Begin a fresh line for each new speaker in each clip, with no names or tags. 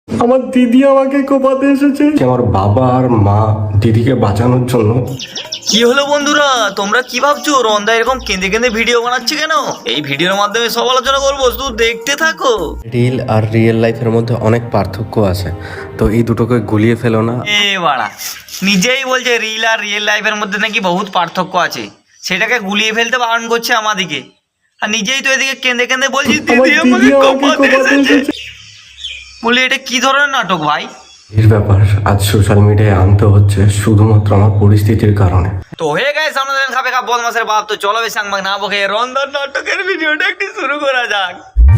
আমার দিদি আমাকে কোপাতে এসেছে। আমার বাবা আর মা দিদিকে বাঁচানোর জন্য।
কি হলো বন্ধুরা, তোমরা কি ভাবছো রন্দা এরকম কেঁদে কেঁদে ভিডিও বানাচ্ছে কেন? এই ভিডিওর মাধ্যমে সব আলোচনা করবো, শুধু দেখতে থাকো।
রিল আর রিয়েল লাইফের মধ্যে অনেক পার্থক্য আছে, তো এই দুটোকে গুলিয়ে ফেলো না।
এ বাড়া, নিজেই বলছে রিল আর রিয়েল লাইফের মধ্যে নাকি বহুত পার্থক্য আছে, সেটাকে গুলিয়ে ফেলতে বারণ করছে আমাদিকে। আর নিজেই তো এদিকে কেঁদে কেঁদে বলছি দিদি আমাকে কোপাতে এসেছে। বলি এটা কি ধরনের নাটক ভাই?
এর ব্যাপার আজ সোশ্যাল মিডিয়ায় আনতে হচ্ছে শুধুমাত্র আমার পরিস্থিতির কারণে।
তো হয়ে গেছে আমাদের খাবে খা বদমাসের বাপ, তো চলো বেশ সাংবাদিক না বকে রন্দার নাটকের ভিডিওটা একটু শুরু করা যাক।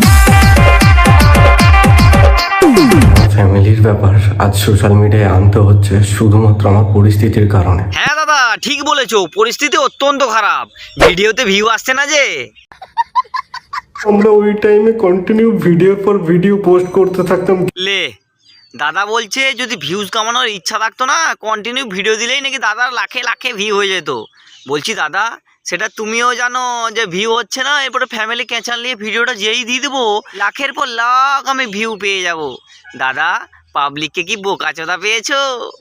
ফ্যামিলির ব্যাপার আজ সোশ্যাল মিডিয়ায় আনতে হচ্ছে শুধুমাত্র আমার পরিস্থিতির কারণে।
হ্যাঁ দাদা ঠিক বলেছো, পরিস্থিতি অত্যন্ত খারাপ, ভিডিওতে ভিউ আসছে না যে।
আমরা ওই টাইমে কন্টিনিউ ভিডিওর পর ভিডিও পোস্ট করতে থাকতাম।
লে দাদা বলছে যদি ভিউজ কামানোর ইচ্ছা থাকতো না, কন্টিনিউ ভিডিও দিলেই নাকি দাদার লাখে লাখে ভিউ হয়ে যেত। বলছি দাদা সেটা তুমিও জানো যে ভিউ হচ্ছে না, এরপরে ফ্যামিলি ক্যাচার নিয়ে ভিডিওটা যেই দিয়ে দেবো লাখের পর লাখ আমি ভিউ পেয়ে যাব। দাদা পাবলিককে কি বোকাচোদা পেয়েছো?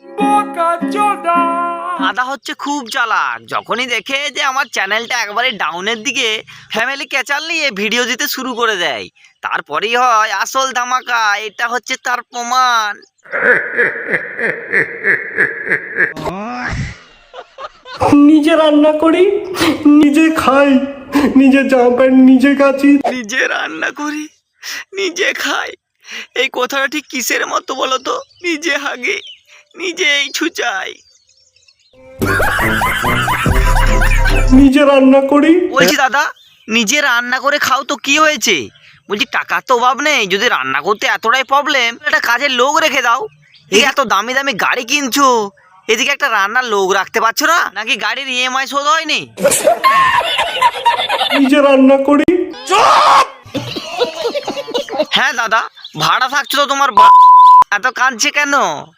দাদা হচ্ছে খুব চালাক, যখনই দেখে যে আমার চ্যানেলটা একবারে ডাউনের দিকে ফ্যামিলি ক্যাচার নিয়ে ভিডিও দিতে শুরু করে দেয়, তারপরেই হয় আসল ধামাকা। এটা হচ্ছে তার প্রমাণ।
নিজে রান্না করি, নিজে খাই, নিজে জামা প্যান্ট নিজে কাচি।
নিজে রান্না করি, নিজে খাই, এই কথাটা ঠিক কিসের মতো বলো তো? নিজে হাগে, নিজেই ছুচাই।
নিজে রান্না করি।
বলছি দাদা নিজে রান্না করে খাও তো কি হয়েছে? বলছি টাকার তো অভাব নেই, যদি রান্না করতে এতটাই প্রবলেম একটা কাজের লোক রেখে দাও। এই এত দামি দামি গাড়ি কিনছো, এদিকে একটা রান্নার লোক রাখতে পারছো না? নাকি গাড়ির ইএমআই শোধ হয়নি?
নিজে রান্না করি।
হ্যাঁ দাদা ভাড়া থাকছো তো তোমার এত কাঁদছে কেন?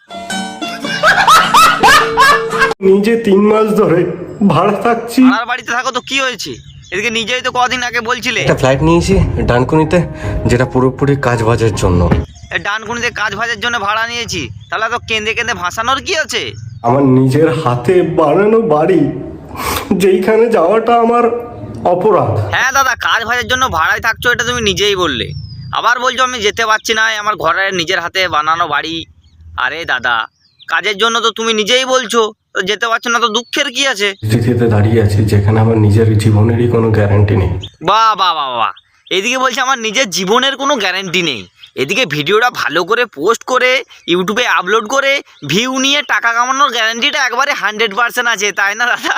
নিজে 3 মাস ধরে ভাড়া থাকছি।
ভাড়ার বাড়িতে থাকো তো কি হয়েছে? এদিকে নিজেই তো কদিন আগে বলছিলে
একটা ফ্লাইট নিয়েছি ডানকুনিতে, যেটা পুরোপুরি কাজ বাজের জন্য।
ডানকুনিতে কাজ ভাজের জন্য ভাড়া নিয়েছি, তাহলে তো কেঁদে কেঁদে ভাসানোর কি আছে?
আমার নিজের হাতে বানানো বাড়ি, যেইখানে যাওয়াটা আমার অপরাধ।
হ্যাঁ দাদা কাজ ভাজের জন্য ভাড়ায় থাকছো, এটা তুমি নিজেই বললে, আবার বলছো আমি যেতে পারছি না, আমার ঘরের নিজের হাতে বানানো বাড়ি। আরে দাদা কাজের জন্য তো তুমি নিজেই বলছো, তো যেতে পারছো না তো দুঃখের কি আছে?
পরিস্থিতিতে দাঁড়িয়ে আছি যেখানে আমার নিজের জীবনেরই কোনো গ্যারান্টি নেই।
বাহ বাহ বাহ বাহ, এদিকে বলছে আমার নিজের জীবনের কোনো গ্যারান্টি নেই, এদিকে ভিডিওটা ভালো করে পোস্ট করে ইউটিউবে আপলোড করে ভিউ নিয়ে টাকা কামানোর গ্যারান্টিটা একবারে 100% আছে, তাই না দাদা?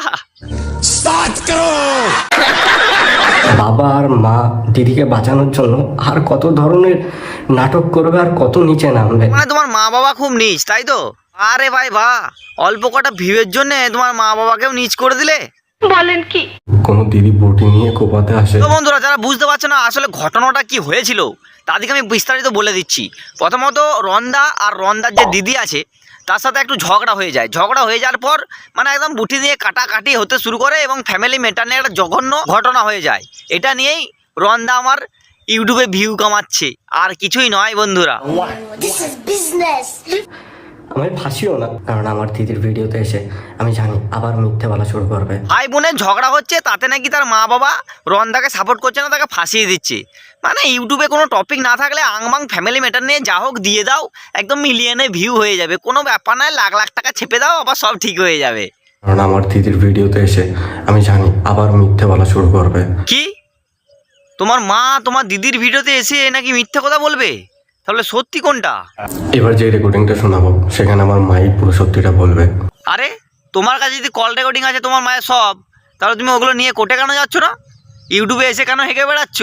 বাবা আর মা দিদিকে বাঁচানোর জন্য আর কত ধরনের নাটক করবে আর কত নিচে নামবে।
মানে তোমার মা বাবা খুব নীচ তাই তো? আরে ভাই বাহ, অল্প কটা ভিউয়ের জন্য তোমার মা বাবাকেও নীচ করে দিলে।
বলেন কি?
কোনো দিদি বটি নিয়ে কোপাতে আসে।
তো বন্ধুরা যারা বুঝতে পারছো না আসলে ঘটনাটা কি হয়েছিল, তাদেরকে আমি বিস্তারিত বলে দিচ্ছি। প্রথমত রন্দা আর রন্দার যে দিদি আছে তার সাথে একটু ঝগড়া হয়ে যায়, ঝগড়া হয়ে যাওয়ার পর মানে একদম বুটি দিয়ে কাটাকাটি হতে শুরু করে এবং ফ্যামিলি ম্যাটার নিয়ে একটা জঘন্য ঘটনা হয়ে যায়। এটা নিয়েই রন্দা আমার ইউটিউবে ভিউ কামাচ্ছে, আর কিছুই নয় বন্ধুরা।
This is business.
আমি ফাঁসিও না, কারণ আমার দিদির ভিডিওতে এসে আমি জানি আবার মিথ্যে বলা শুরু করবে।
ভাই বোনের ঝগড়া হচ্ছে, তাতে নাকি তার মা বাবা রন্দাকে সাপোর্ট করছে না, তাকে ফাঁসিয়ে দিচ্ছে। মানে ইউটিউবে কোনো টপিক না থাকলে আংবাং ফ্যামিলি ম্যাটার নিয়ে যা হোক দিয়ে দাও, একদম মিলিয়নে ভিউ হয়ে যাবে, কোনো ব্যাপার নয়, লাখ লাখ টাকা ছেপে দাও, আবার সব ঠিক হয়ে যাবে।
কারণ আমার দিদির ভিডিওতে এসে আমি জানি আবার মিথ্যে বলা শুরু করবে।
কি তোমার মা তোমার দিদির ভিডিওতে এসে নাকি মিথ্যে কথা বলবে? তাহলে সত্যি কোনটা?
এবার যে রেকর্ডিংটা শোনাবো সেখানে আমার মাই পুরো সত্যিটা বলবে।
আরে তোমার কাছে যদি কল রেকর্ডিং আছে তোমার মায়ের সব, তাহলে তুমি ওগুলো নিয়ে কোর্টে কেন যাচ্ছ না? ইউটিউবে এসে কেন হেঁকে বেড়াচ্ছ?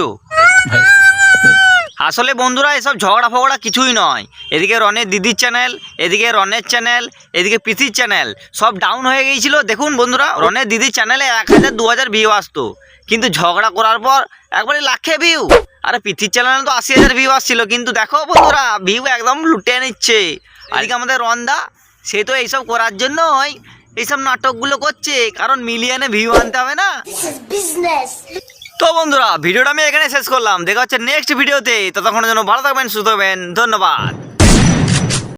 আসলে বন্ধুরা এসব ঝগড়া ফগড়া কিছুই নয়। এদিকে রনের দিদির চ্যানেল, এদিকে রনের চ্যানেল, এদিকে প্রীতির চ্যানেল সব ডাউন হয়ে গিয়েছিল। দেখুন বন্ধুরা রনের দিদির চ্যানেলে 1000-2000 ভিউ আসতো, কিন্তু ঝগড়া করার পর একবারে লাখে ভিউ। আর প্রীতির চ্যানেলে তো 80,000 ভিউ আসছিল, কিন্তু দেখো বন্ধুরা ভিউ একদম লুটে নিচ্ছে। আজকে আমাদের রন্দা সে তো এইসব করার জন্যই এইসব নাটকগুলো করছে, কারণ মিলিয়নে ভিউ আনতে হবে না।
This is business.
তো বন্ধুরা ভিডিওটা আমি এখানে শেষ করলাম, দেখা হচ্ছে নেক্সট ভিডিওতে। ততক্ষণের জন্য ভালো থাকবেন, সুস্থ থাকবেন, ধন্যবাদ।